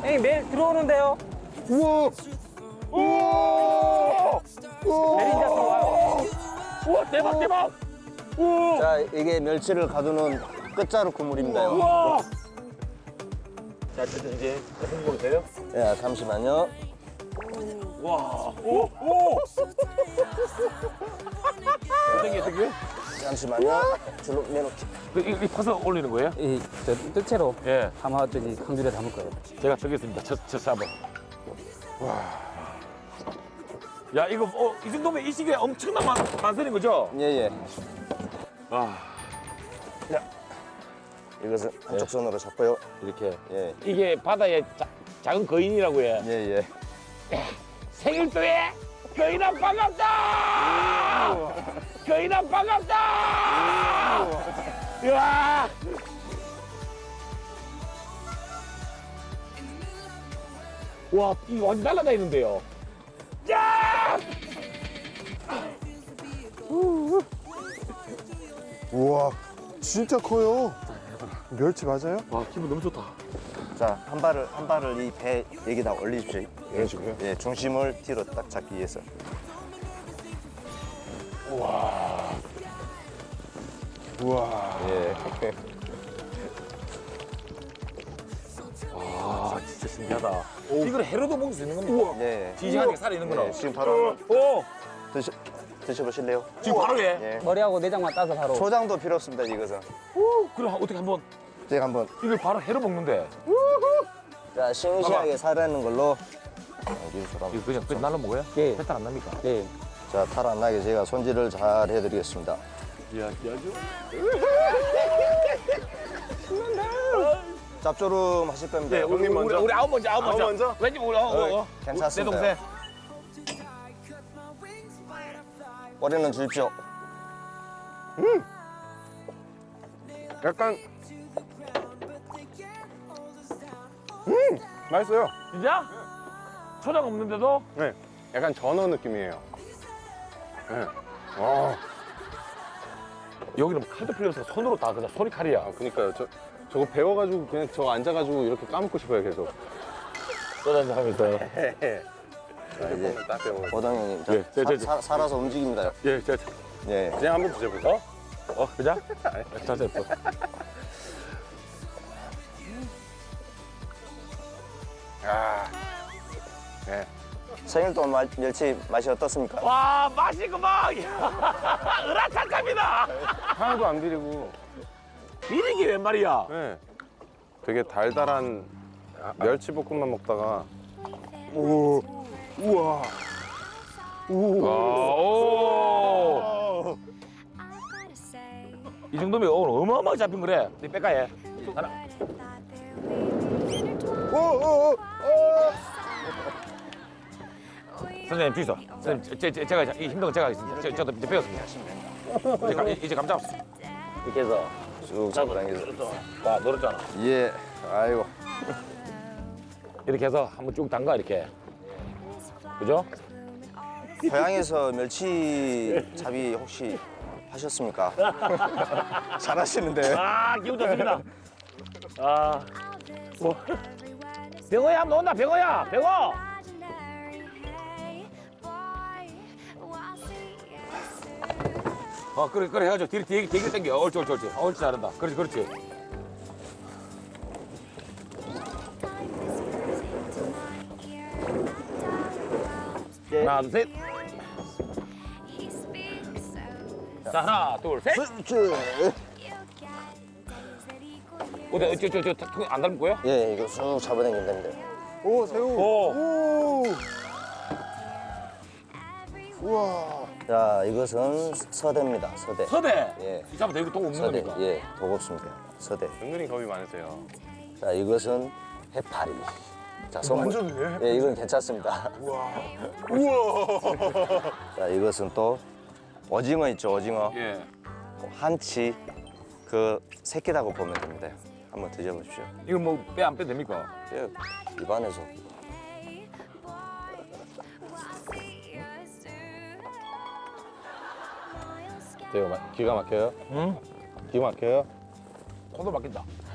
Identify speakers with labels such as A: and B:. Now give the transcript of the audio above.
A: 형님 매일 들어오는데요.
B: 우와! 우와!
A: 매일 이제 들어와요.
C: 우와 대박 대박. 우와.
B: 자, 이게 멸치를 가두는 끝자루 그물입니다요.
C: 우와. 자 이제 홍보가 돼요?
B: 예, 잠시만요.
C: 와. 오 오. 어떻게?
B: 잠시만요. 줄로 내놓기.
C: 이 파서 올리는 거예요?
A: 이저 뜰채로
C: 예.
A: 담아 저기 강줄에 담을 거예요.
C: 제가 저겠습니다. 저 한번. 와. 야 이거 이 정도면 이 시기에 엄청난 만선인 거죠?
B: 예, 예.
C: 아
B: 이것은 한쪽 손으로 잡고요.
C: 이렇게
B: 예,
C: 이게 바다의 작은 거인이라고 해.
B: 예, 예.
C: 생일도에 거인아 반갑다. 거인아 반갑다. 이야. 와 이거 완전 날아다니는데요. 야!
D: 우와, 진짜 커요. 멸치 맞아요?
C: 와 기분 너무 좋다.
B: 자, 한 발을 이 배 여기다 올리십시오.
D: 이런 식으로요?
B: 예, 중심을 뒤로 딱 잡기 위해서.
D: 우와.
B: 예.
C: 아 진짜 신기하다. 이걸 해로도 먹을 수 있는 겁니까?
B: 예.
C: 지지하게 살아 있는구나.
B: 예, 지금 바로
C: 오
B: 드셔보실래요?
C: 지금 바로 해.
B: 예.
A: 머리하고 내장만 따서 바로.
B: 초장도 필요 없습니다, 이것은.
C: 그럼 어떻게 한번
B: 제가 한번.
C: 이걸 바로 해로 먹는데
B: 자, 싱싱하게 살아있는 걸로. 여기서
C: 이거 그냥 날라 먹어요?
A: 예.
C: 배탈 안 납니까?
A: 예.
B: 자, 탈 안 나게 제가 손질을 잘 해드리겠습니다.
C: 이야 아주
B: 짭조름 하실 겁니다.
C: 네,
D: 형님 먼저.
C: 우리 아홉 먼저.
D: 아홉 먼저?
C: 왠지 우리
B: 괜찮습니다.
C: 내 동생.
B: 꼬리는 주십시오.
D: 약간. 맛있어요.
C: 진짜? 초장 없는데도?
D: 네. 약간 전어 느낌이에요. 네. 와,
C: 여기는 칼도 필요 없어. 손으로 다 그냥 소리 칼이야.
D: 아, 그니까요. 저거 배워가지고 그냥 저거 앉아가지고 이렇게 까먹고 싶어요, 계속.
C: 소주 하면서.
B: 자, 이제
D: 딱 배워.
B: 보당 형님, 자,
C: 예,
B: 살아서 움직입니다.
C: 예,
B: 예.
D: 그냥 한번 드셔보세요.
C: 그자? 자세 예뻐.
D: 아. 네.
B: 생일동 멸치 맛이 어떻습니까?
C: 와, 맛이 그만! 으라차갑니다!
D: 하나도 안 비리고.
C: 비리기 웬 말이야?
D: 네. 되게 달달한 멸치볶음밥 먹다가. 우와.
C: 오! 이 정도면 오늘 어마어마하게 잡힌 거래. 네 뺄까해? 하나. 선생님 주이소. 선생님 제가 이 힘든 거 제가 하겠습니다. 저도 이제 배웠습니다. 이제 감 잡았어. 이렇게 해서
B: 쭉 잡고 당겨서.
C: 봐 늘었잖아.
B: 예. 아이고.
C: 이렇게 해서 한번 쭉 담가 이렇게. 그죠?
B: 고향에서 멸치 잡이 혹시 하셨습니까? 잘하시는데.
C: 아 기분 좋습니다. 아. 뭐. 병어야 한번 온다 병어야 병어. 그래 해가지고 되게 당겨. 옳지 잘한다. 그렇지. 하나 둘 셋. 자 하나 둘 셋. 어디 저안 닮은 거야?
B: 예, 이거 쭉 잡아당기면 됩니다.
D: 오, 새우.
C: 오.
D: 우와.
B: 자, 이것은 서대입니다. 서대.
C: 서대.
B: 예.
C: 이 사람 되게 돈 없는
B: 서대.
C: 겁니까?
B: 예, 도겁습니다. 서대.
D: 은근히 겁이 많으세요.
B: 자, 이것은 해파리. 자,
D: 완전이네,
B: 예, 이건 괜찮습니다.
D: 우와.
B: 자, 이것은 또 오징어 있죠, 오징어.
C: 예.
B: 한치 그 새끼라고 보면 됩니다. 한번 드셔보십시오.
C: 이거 뭐 빼 안 빼 됩니까?
B: 예, 입안에서.
D: 기가 막혀요?
C: 응?
D: 기가 막혀요?
C: 코도 막힌다.